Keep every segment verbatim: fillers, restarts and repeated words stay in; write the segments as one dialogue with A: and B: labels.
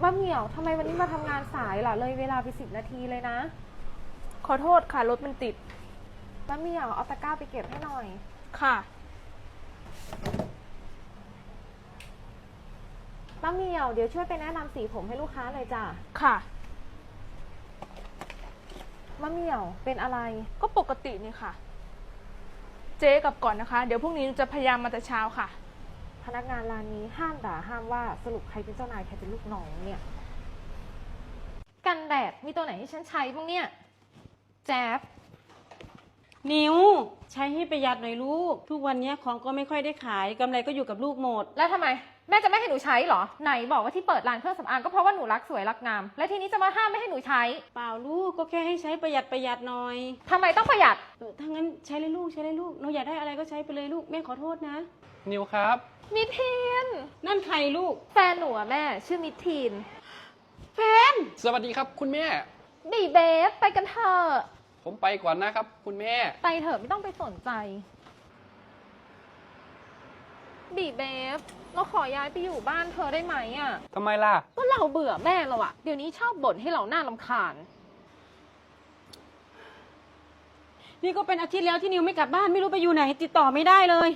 A: ป้าเหมียวทำไมวันนี้มาทำงานสายล่ะเลยเวลาไปสิบนาทีเลยนะ
B: ขอโทษค่ะรถมันติด
A: ป้าเหมียวเอาตะกร้าไปเก็บให้หน่อย
B: ค่ะ
A: ป้าเหมียวเดี๋ยวช่วยไปแนะนำสีผมให้ลูกค้าเลยจ้ะ
B: ค่ะ
A: ป้าเหมียวเป็นอะไร
B: ก็ปกตินี่ค่ะเจ๊กลับก่อนนะคะเดี๋ยวพรุ่งนี้จะพยายามมาแต่เช้าค่ะ
A: พนักงานร้านนี้ห้ามด่าห้ามว่าสรุปใครเป็นเจ้านายใครเป็นลูกน้องเนี่ยกันแดดมีตัวไหนที่ฉันใช้บ้างเนี่ยแจ๊บ
C: นิวใช้ให้ประหยัดหน่อยลูกทุกวันนี้ของก็ไม่ค่อยได้ขายกำไรก็อยู่กับลูกหมด
A: แล้วทำไมแม่จะไม่ให้หนูใช้เหรอไหนบอกว่าที่เปิดร้านเครื่องสำอางก็เพราะว่าหนูรักสวยรักงามและทีนี้จะมาห้ามไม่ให้หนูใช้
C: เปล่าลูกก็แค่ให้ใช้ประหยัดประหยัดหน่อย
A: ทำไมต้องประหยัด
C: เออถ้างั้นใช้เลยลูกใช้เลยลูกหนูอยากได้อะไรก็ใช้ไปเลยลูกแม่ขอโทษนะ
D: นิวครับ
A: มิทีน
C: นั่นใครลูก
A: แฟนหนูอะแม่ชื่อมิทีน
C: แฟน
D: สวัสดีครับคุณแม่
A: บีเบฟไปกันเถอะ
D: ผมไปก่อนนะครับคุณแม่
A: ไปเถอะไม่ต้องไปสนใจบีเบฟเราขอย้ายไปอยู่บ้านเธอได้ไหมอ่ะ
D: ทำไมล่ะ
A: ก็เราเบื่อแม่เราอะเดี๋ยวนี้ชอบบ่นให้เราหน้ารำคาญ
C: นี่ก็เป็นอาทิตย์แล้วที่นิวไม่กลับบ้านไม่รู้ไปอยู่ไหนติดต่อไม่ได้เลย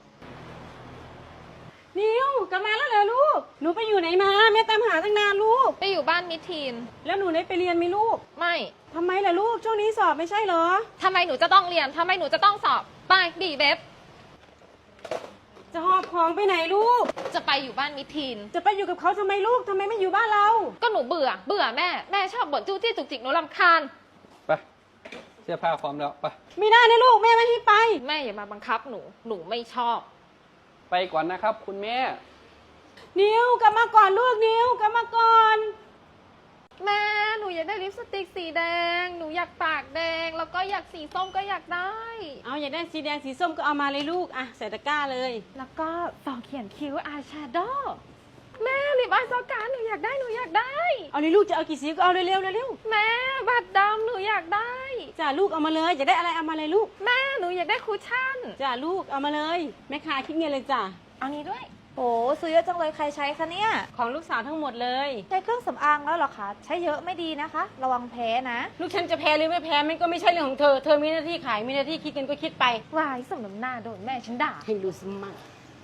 C: นิวกลับมาแล้วเหรอลูกหนูไปอยู่ไหนมาแม่ตามหาตั้งนานลูก
A: ไปอยู่บ้านมิทีน
C: แล้วหนูได้ไปเรียนไหมลูก
A: ไม่
C: ทำไมล่ะลูกช่วงนี้สอบไม่ใช่เหรอ
A: ทำไมหนูจะต้องเรียนทำไมหนูจะต้องสอบไปบีเบฟ
C: จะหอบของไปไหนลูก
A: จะไปอยู่บ้านมิทีน
C: จะไปอยู่กับเขาทำไมลูกทำไมไม่อยู่บ้านเรา
A: ก็หนูเบื่อเบื่อแม่แม่ชอบบ่นจู้จี้จุกจิกหนูรำคาญ
D: ไปเสื้อผ้าพร้อมแล้วไป
C: ไม่ได้นะลูกแม่ไม่ให้ไป
A: แม่อย่ามาบังคับหนูหนูไม่ชอบ
D: ไปก่อนนะครับคุณแม่
C: นิวกลับมาก่อนลูกนิวกลับมาก่อน
A: แม่หนูอยากได้ลิปสติกสีแดงหนูอยากปากแดงแล้วก็อยากสีส้มก็อยากได้
C: เอาอยากได้สีแดงสีส้มก็เอามาเลยลูกอ่ะใส่ตะกร้าเลย
A: แล้วก็ต่อเขียนคิ้วอายแชโดว์แม่ลิปอายซอการหนูอยากได้หนูอยากได้
C: เอาเลยลูกจะเอากี่สีก็เอาเร็วๆเร็ว
A: ๆแม่บัตรดำหนูอยากได้
C: จ้าลูกเอามาเลยอยากได้อะไรเอามาเลยลูก
A: แม่หนูอยากได้คุชชั่น
C: จ้าลูกเอามาเลยแม่ค้าคิดเงินเลยจ้า
A: เอานี้ด้วย
E: โอ้ซื้อเยอะจังเลยใครใช้คะเนี่ย
C: ของลูกสาวทั้งหมดเลย
E: ใช้เครื่องสำอางแล้วเหรอคะใช้เยอะไม่ดีนะคะระวังแพ้นะ
C: ลูกฉันจะแพ้หรือไม่แพ้มันก็ไม่ใช่เรื่องของเธอเธอมีหน้าที่ขายมีหน้าที่คิดเงินก็คิดไป
A: วายสมน้ำหน้าโดนแม่ฉันด่า
C: ให้ดูสมัคร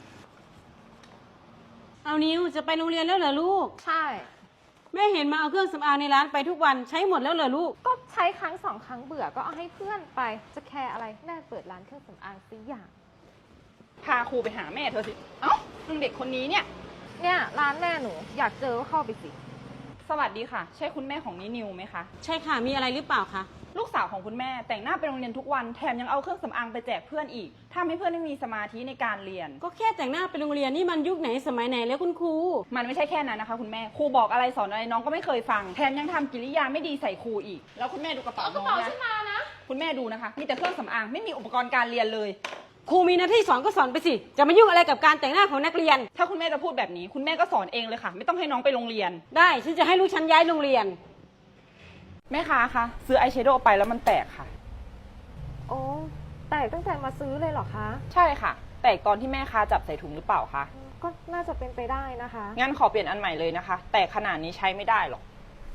C: เอานิวจะไปโรงเรียนแล้วเหรอลูก
A: ใช่
C: แม่เห็นมาเอาเครื่องสำอางในร้านไปทุกวันใช้หมดแล้วเหรอลูก
A: ก็ใช้ครั้งสองครั้งเบื่อก็เอาให้เพื่อนไปจะแคร์อะไรแม่เปิดร้านเครื่องสำอางสิอย่าง
B: พาครูไปหาแม่เธอสิเอ้าเด็กคนนี้เนี่ย
A: เนี่ยร้านแม่หนูอยากเจอก็เข้าไปสิ
B: สวัสดีค่ะใช่คุณแม่ของนินิวไหมคะ
C: ใช่ค่ะมีอะไรหรือเปล่าคะ
B: ลูกสาวของคุณแม่แต่งหน้าไปโรงเรียนทุกวันแถมยังเอาเครื่องสำอางไปแจกเพื่อนอีกทำให้เพื่อนไม่มีสมาธิในการเรียน
C: ก็แค่แต่งหน้าไปโรงเรียนนี่มันยุคไหนสมัยไหนแล้วคุณครู
B: มันไม่ใช่แค่นั้นนะคะคุณแม่ครูบอกอะไรสอนอะไรน้องก็ไม่เคยฟังแถมยังทำกิริยาไม่ดีใส่ครูอีกแล้วคุณแม่ดูกระเป๋าน้องนะคุณแม่ดูนะคะมีแต่เครื่องสำอางไม่มีอุปกรณ์การเรียนเลย
C: ครูมีหน้าที่สอนก็สอนไปสิจะมายุ่งอะไรกับการแต่งหน้าของนักเรียน
B: ถ้าคุณแม่จะพูดแบบนี้คุณแม่ก็สอนเองเลยค่ะไม่ต้องให้น้องไปโรงเรียน
C: ได้ฉันจะให้ลูกฉันย้ายโรงเรียน
B: แม่ค้าคะซื้ออายแชโดว์ไปแล้วมันแตกค่ะ
A: โอ้แตกตั้งแต่มาซื้อเลยเหรอคะ
B: ใช่ค่ะแตกตอนที่แม่ค้าจับใส่ถุงหรือเปล่าคะ
A: ก็น่าจะเป็นไปได้นะคะ
B: งั้นขอเปลี่ยนอันใหม่เลยนะคะแตกขนาดนี้ใช้ไม่ได้หรอก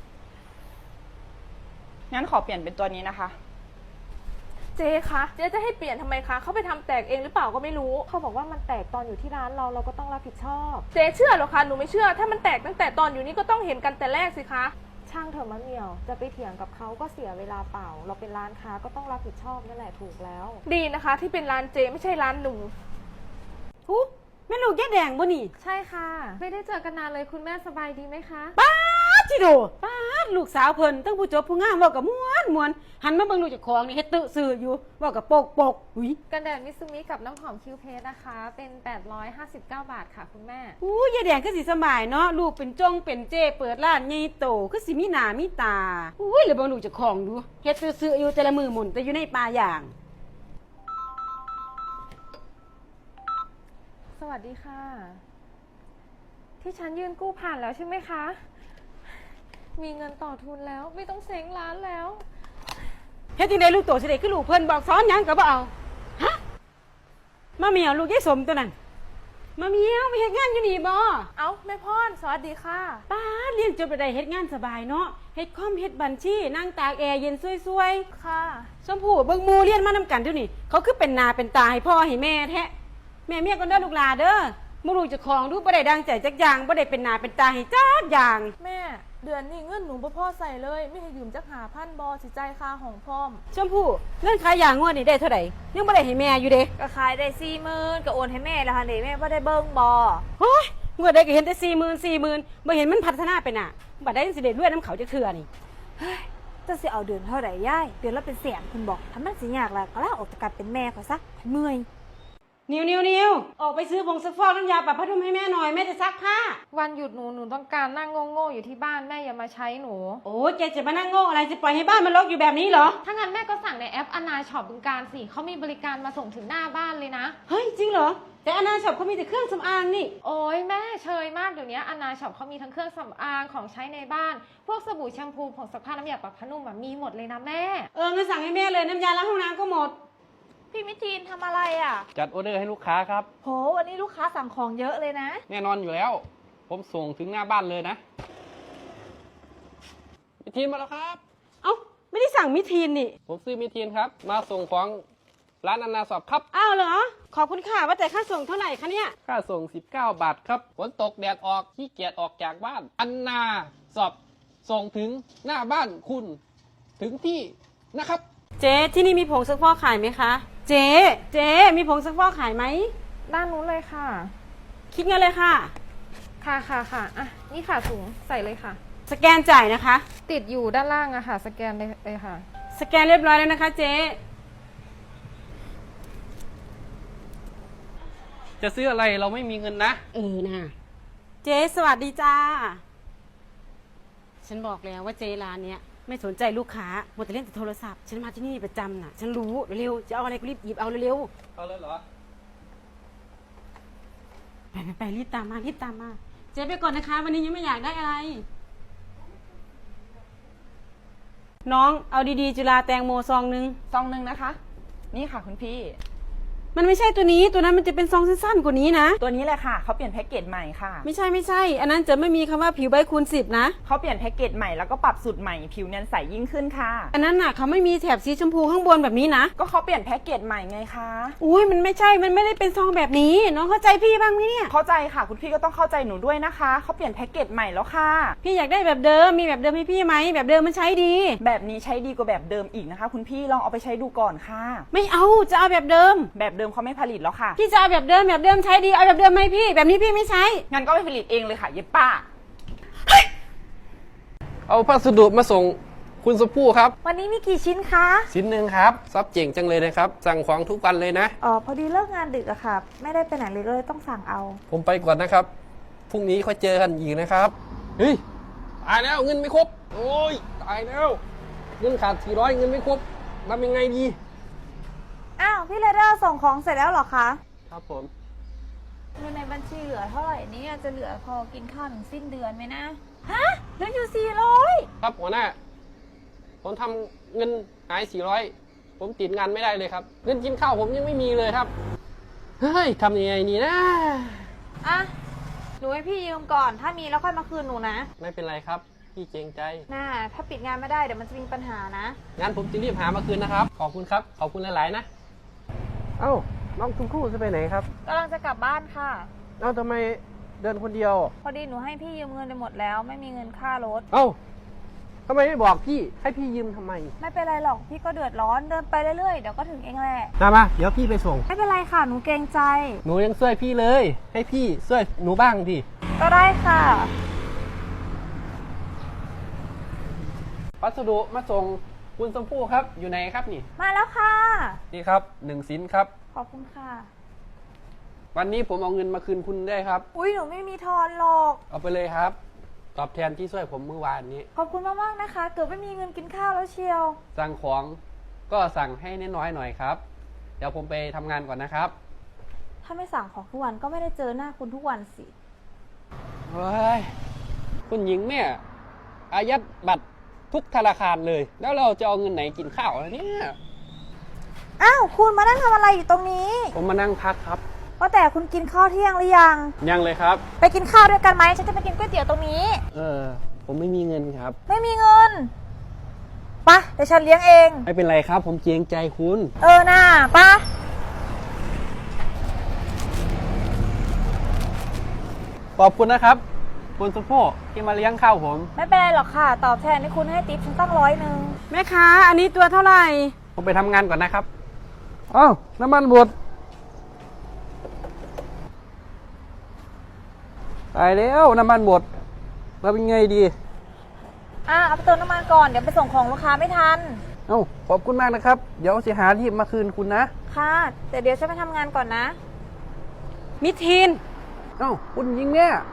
B: งั้นขอเปลี่ยนเป็นตัวนี้นะคะ
A: เจ๊คะเจ๊จะให้เปลี่ยนทำไมคะเขาไปทำแตกเองหรือเปล่าก็ไม่รู้เขาบอกว่ามันแตกตอนอยู่ที่ร้านเราเราก็ต้องรับผิดชอบเจ๊เชื่อหรอคะหนูไม่เชื่อถ้ามันแตกตั้งแต่ตอนอยู่นี่ก็ต้องเห็นกันแต่แรกสิคะช่างเถอะมะเหมียวจะไปเถียงกับเขาก็เสียเวลาเปล่าเราเป็นร้านค้าก็ต้องรับผิดชอบนั่นแหละถูกแล้วดีนะคะที่เป็นร้านเจ๊ไม่ใช่ร้านหนู
C: หูแม่ลูกแย่แดงบ่นี่
A: ใช่ค่ะไม่ได้เจอกันนานเลยคุณแม่สบายดีไหมคะ
C: ป้าจิโดป้าลูกสาวเพิ่นตั้งผู้จบผู้งามเว้ากับม้วนม้วนหันมาเบิ่งลูกเจ้าของนี่เฮ็ดตื้อซื่ออยู่เว้ากับโปกโปกหุย
A: กันแดดมิซูมิกับน้ำหอมคิวเพสนะคะเป็นแปดร้อยห้าสิบเก้าบาทค่ะคุณแม่
C: อู้ยายแดงก็สิสบายเนาะลูกเป็นจงเป็นเจเปิดร้านใหญ่โตคือสิมีหน้ามีตาอุ้ยแล้วเบิ่งลูกเจ้าของดูเฮ็ดตื้อซื่ออยู่แต่ละมือหมุนแต่อยู่ในป่าอย่าง
A: สวัสดีค่ะที่ฉันยื่นกู้ผ่านแล้วใช่ไหมคะมีเงินต่อทุนแล้วไม่ต้องเซ้งร้านแล้ว
C: เฮ็ดจังได๋ลูกโตสิได้คือลูกเพิ่นบอกสอนหยังก็บ่เอาฮะมาเมียวลูกยายสมตัวนั้นมาเมียวไปเฮ็ดงานอยู่นี่บ่
A: เอ้าแม่พรสวัสดีค่ะ
C: ป้าดเรียนจบไปได้เฮ็ดงานสบายเนาะเฮ็ดคอมเฮ็ดบัญชีนั่งตากแอร์เย็นซวย
A: ค่ะ
C: ๆชมพู่เบิ่งหมู่เรียนมานำกันเดี๋ยวนี้เขาคือเป็นหน้าเป็นตาให้พ่อให้แม่แท้แม่เมียก็เด้อลูกหลาเด้อบ่รู้เจะของดูบ่ได้ดังใจจักอย่างบ่ได้เป็นหน้าเป็นตาให้จักอย่าง
A: แม่เดือนนี้เงินหนูบ่พอใส่เลยไม่ให้ยืมจักหาพันบอสิใจายค่าของพร้อม
C: ชมพู่เงินขายยางงวดนี่ได้เท่าไหร่ยังบ่ได้ให้แม่อยู่เด้
E: ก็ขายได้สี่หมื่นก็โอนให้แม่แล้วค่ะเด็แม่ว่าได้เบิ้งบอ
C: โอ้ยงวดใดก็เห็นแต่สี่หมื่น สี่หมื่นบ่เห็นมันพัฒนาไปน่ะบัดได้สิได้รวยน้ำเขาจักเทื่อนี่
E: จะสิเอาเดือนเท่าไหร่ย่ายเดือนละเป็นแสนคุณบอกถ้ามันสิยากแล้วก็ลาออกจากการเป็นแม่ข่อยซะเมื่อย
C: นิวนิวนิวออกไปซื้อผงซักฟอกน้ำยาปรับผ้านุ่มให้แม่หน่อยแม่จะซักผ้า
A: วันหยุดหนูหนูต้องการนั่งโง่ๆอยู่ที่บ้านแม่อย่ามาใช้หนู
C: โอ้ยแกจะมานั่งโง่อะไรจะปล่อยให้บ้านมันรกอยู่แบบนี้เหรอ
A: ถ้างั้นแม่ก็สั่งในแอปอนาช็อปบึงการสิเขามีบริการมาส่งถึงหน้าบ้านเลยนะ
C: เฮ้ยจริงเหรอแต่อนาช็อปเขามีแต่เครื่องสำอางนี่
A: โอ้ยแม่เชยมากเดี๋ยวนี้อนาช็อปเขามีทั้งเครื่องสำอางของใช้ในบ้าน พวกสบู่แชมพูผงซักผ้าน้ำยาปรับผ้านุ่มอะมีหมดเลยนะแม่
C: เอองั้นสั่งให้แม่เลยน้ำยาล้างห้องน้ำก็หมด
E: พี่มิทีนทำอะไรอ่ะ
D: จัดออเดอร์ให้ลูกค้าครับ
E: โหวันนี้ลูกค้าสั่งของเยอะเลยนะ
D: แน่นอนอยู่แล้ว ผมส่งถึงหน้าบ้านเลยนะมิทีนมาแล้วครับ
C: เอ้าไม่ได้สั่งมิทีนนี่
D: ผมซื้อมิทีนครับ มาส่งของร้านอนาสอบครับ
C: อ้าวเหรอขอบคุณค่ะว่าแต่ค่าส่งเท่าไหร่คะเนี่ย
D: ค่าส่งสิบเก้าบาทครับฝนตกแดดออกขี้เกียจออกจากบ้าน อันนาสอบส่งถึงหน้าบ้านคุณถึงที่นะครับ
C: เจ๊ที่นี่มีผงซักฟอกขายไหมคะเจ๊เจ๊มีผงซักฟอกขายไหม
A: ด้านนู้นเลยค่ะ
C: คิดเงินเลยค่ะ
A: ค่ะค่ะค่ะอ่ะนี่ค่ะถุงใส่เลยค่ะ
C: สแกนจ่ายนะคะ
A: ติดอยู่ด้านล่างอะค่ะ สแกนเลยเลยค่ะ
C: สแกนเรียบร้อยแล้วนะคะเจ๊
D: จะซื้ออะไรเราไม่มีเงินนะ
C: เออนะเจ๊สวัสดีจ้า ฉันบอกแล้วว่าเจ๊ร้านเนี้ยไม่สนใจลูกค้าหมดแต่เล่นแต่โทรศัพท์ ฉันมาที่นี่ประจำน่ะ ฉันรู้เร็วๆจะเอาอะไรก็รีบหยิบเอาเร็ว
D: เอาเลยเหรอ
C: ๆไปไปไปรีบตามมารีบตามมา เจ๊ไปก่อนนะคะ วันนี้ยังไม่อยากได้อะไร น้องเอาดีๆจุฬาแตงโมซองนึง
B: ซองหนึ่งนะคะ นี่ค่ะคุณพี่
C: มันไม่ใช่ตัวนี้ตัวนั้นมันจะเป็นซองสั้นๆกว่านี้นะ
B: ตัวนี้แหละค่ะเขาเปลี่ยนแพ็กเกจใหม่ค่ะ
C: ไม่ใช่ไม่ใช่ อันนั้นจะไม่มีคำว่าผิวใบคูณสิบนะ
B: เขาเปลี่ยนแพ็กเกจใหม่แล้วก็ปรับสูตรใหม่ผิวเนียนใสยิ่งขึ้นค่ะ
C: อันนั้นน่ะเขาไม่มีแถบสีชมพูข้างบนแบบนี้นะ
B: ก็เขาเปลี่ยนแพ็กเกจใหม่ไงคะ
C: อุ้ยมันไม่ใช่ มันไม่ได้เป็นซองแบบนี้ น้องเข้าใจพี่บ้างไหมเนี่ย
B: เข้าใจค่ะคุณพี่ก็ต้องเข้าใจหนูด้วยนะคะเขาเปลี่ยนแพ็กเกจใหม่แล้วค่ะ
C: พี่อยากได้แบบเดิม มีแบบเดิมให้พี่ไหม แบบเดิมมันใช้ดี
B: แบบนี้ใช้ดีกว่าแบบเดิมอีกนะคะ คุณพี่ลองเอาไปใช้ดูก่อนค่ะ
C: ไม่เอา จะเอาแบบเดิม
B: แบบเดิมเขาไม่ผลิตแล้วค่ะ
C: พี่จะเอาแบบเดิม แบบเดิมใช้ดี เอาแบบเดิมไหมพี่ แบบนี้พี่ไม่ใช้
B: งั้นก็ไปผลิตเองเลยค่ะเย็บป้า
D: เอาพัสดุมาส่งคุณสพู่ครับ
E: วันนี้มีกี่ชิ้นคะ
D: ชิ้นหนึ่งครับซับเจ๋งจังเลยนะครับ สั่งของทุกวันเลยนะ
E: อ๋อพอดีเลิกงานดึกอะค่ะ ไม่ได้ไปไหนเลยก็เลยต้องสั่งเอา
D: ผมไปก่อนนะครับ พรุ่งนี้ค่อยเจอกันอีกนะครับ เฮ้ย ตายแล้วเงินไม่ครบ โอ้ย ตายแล้ว เงินขาดสี่ร้อยเงินไม่ครบทำยังไงดี
E: อ้าวพี่เรเดอร์ส่งของเสร็จแล้วเหรอคะ
D: ครับผม
E: เงินในบัญชีเหลือเท่าไหร่เนี่ยจะเหลือพอกินข้าวถึงสิ้นเดือนไหมนะ ฮะเหลืออยู่สี่ร้อย
D: ครับหัวหน้า ผมทำเงินหายสี่ร้อยผมติดงานไม่ได้เลยครับ เงินกินข้าวผมยังไม่มีเลยครับ เฮ้ยทำยังไงนี่นะ
E: อ่ะหนูให้พี่ยืมก่อน ถ้ามีแล้วค่อยมาคืนหนูนะ
D: ไม่เป็นไรครับ พี่เกรงใจ
E: น่าถ้าปิดงานไม่ได้เดี๋ยวมันจะมีปัญหานะ
D: งั้นผมจะรีบหามาคืนนะครับ ขอบคุณครับ ขอบคุณหลายๆนะ เอ้า น้องชมพู่จะไปไหนครับ
E: กำลังจะกลับบ้านค่ะ
D: เอ้าทำไมเดินคนเดียว
E: พอดีหนูให้พี่ยืมเงินไปหมดแล้ว ไม่มีเงินค่ารถ
D: เอ้าทำไมไม่บอกพี่ ให้พี่ยืมทำไม
E: ไม่เป็นไรหรอกพี่ก็เดือดร้อนเดินไปเรื่อยๆเดี๋ยวก็ถึงเองแหละ
D: มามา เดี๋ยวพี่ไปส่ง
E: ไม่เป็นไรค่ะหนูเกรงใจ
D: หนูยังช่วยพี่เลย ให้พี่ช่วยหนูบ้างดิ
E: ก็ได้ค่ะ
D: พัสดุมาส่งคุณชมพู่ครับ อยู่ไหนครับนี่
E: มาแล้วค่ะ
D: นี่ครับหนึ่งสินครับ
E: ขอบคุณค่ะ
D: วันนี้ผมเอาเงินมาคืนคุณได้ครับ
E: อุ้ยหนูไม่มีทอนหรอก
D: เอาไปเลยครับ ตอบแทนที่ช่วยผมเมื่อวานนี้
E: ขอบคุณมากๆนะคะ เกือบไม่มีเงินกินข้าวแล้วเชียว
D: สั่งของก็สั่งให้น้อยๆหน่อยครับ เดี๋ยวผมไปทำงานก่อนนะครับ
E: ถ้าไม่สั่งของทุกวันก็ไม่ได้เจอหน้าคุณทุกวันสิ
D: เฮ้ย คุณหญิงเนี่ยอายัดบัตรทุกธนาคารเลย แล้วเราจะเอาเงินไหนกินข้าวล่ะเนี่ย
E: อ้าวคุณมานั่งทำอะไรอยู่ตรงนี้
D: ผมมานั่งพักครับ
E: ปว่าแต่คุณกินข้าวเที่ยงหรือยัง
D: ยังเลยครับ
E: ไปกินข้าวด้วยกันไหมฉันจะไปกินก๋วยเตี๋ยวตรงนี้
D: เออ ผมไม่มีเงินครับ
E: ไม่มีเงินปะเดี๋ยวฉันเลี้ยงเอง
D: ไม่เป็นไรครับ ผมเกรงใจคุณ
E: เออน่าปะ
D: ขอบคุณนะครับ คุณสุโภที่มาเลี้ยงข้าวผม
E: ไม่เป็นไรหรอกค่ะ ตอบแทนที่คุณให้ติ๊บฉันตั้งร้อยหนึ่ง
C: แม่ค้าอันนี้ตัวเท่าไหร่
D: ผมไปทำงานก่อนนะครับ อ้าว น้ำมันบดตายแล้วน้ำมันหมดเราเป็นไงดี
E: อ่ะเอาไปเติมน้ำมันก่อนเดี๋ยวไปส่งของลูกค้าไม่ทัน
D: เอ้า ขอบคุณมากนะครับ เดี๋ยวจะหาที่มาคืนคุณนะ
E: ค่ะแต่เดี๋ยวฉันไปทำงานก่อนนะ
C: มิทีน
D: เอ้า คุณยิงเนี่ย